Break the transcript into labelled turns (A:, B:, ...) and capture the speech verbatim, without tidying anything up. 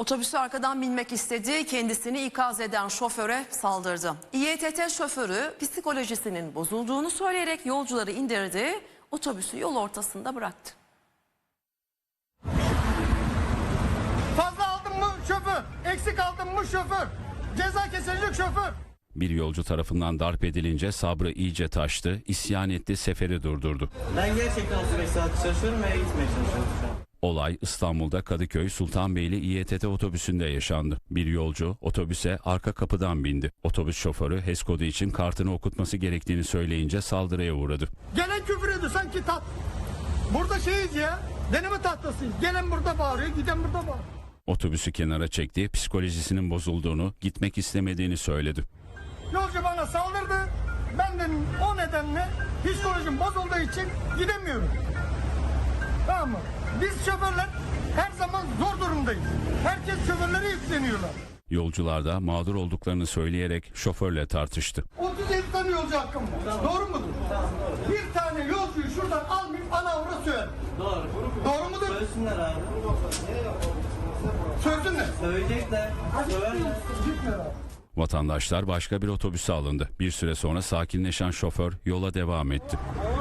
A: Otobüsü arkadan binmek istedi, kendisini ikaz eden şoföre saldırdı. İETT şoförü psikolojisinin bozulduğunu söyleyerek yolcuları indirdi, otobüsü yol ortasında bıraktı.
B: Fazla aldın mı şoför, eksik aldın mı şoför, ceza kesilecek şoför.
C: Bir yolcu tarafından darp edilince sabrı iyice taştı, isyan etti, seferi durdurdu.
D: Ben gerçekten otuz beş saat çalışıyorum ve eve gitmeye çalışıyorum şu an.
C: Olay İstanbul'da Kadıköy Sultanbeyli İETT otobüsünde yaşandı. Bir yolcu otobüse arka kapıdan bindi. Otobüs şoförü HES kodu için kartını okutması gerektiğini söyleyince saldırıya uğradı.
B: Gelen küfür ediyor sanki tat. Burada şeyiz ya, deneme tahtasıyız. Gelen burada bağırıyor, giden burada bağırıyor.
C: Otobüsü kenara çekti, psikolojisinin bozulduğunu, gitmek istemediğini söyledi.
B: Yolcu bana saldırdı. Ben de o nedenle psikolojim bozulduğu için gidemiyorum. Tamam mı? Biz şoförler her zaman zor durumdayız. Herkes şoförlere yükleniyorlar.
C: Yolcular da mağdur olduklarını söyleyerek şoförle tartıştı.
B: otuz yedi tane yolcu hakkım var. Tamam. Doğru mudur? Tamam, doğru. Bir tane yolcuyu şuradan almayıp ana avra söyle.
D: Doğru.
B: Doğru mudur?
D: Söylesinler abi.
B: Söylesünler.
D: Söyleyecekler. Söylerler.
B: Gitme abi.
C: Vatandaşlar başka bir otobüse alındı. Bir süre sonra sakinleşen şoför yola devam etti.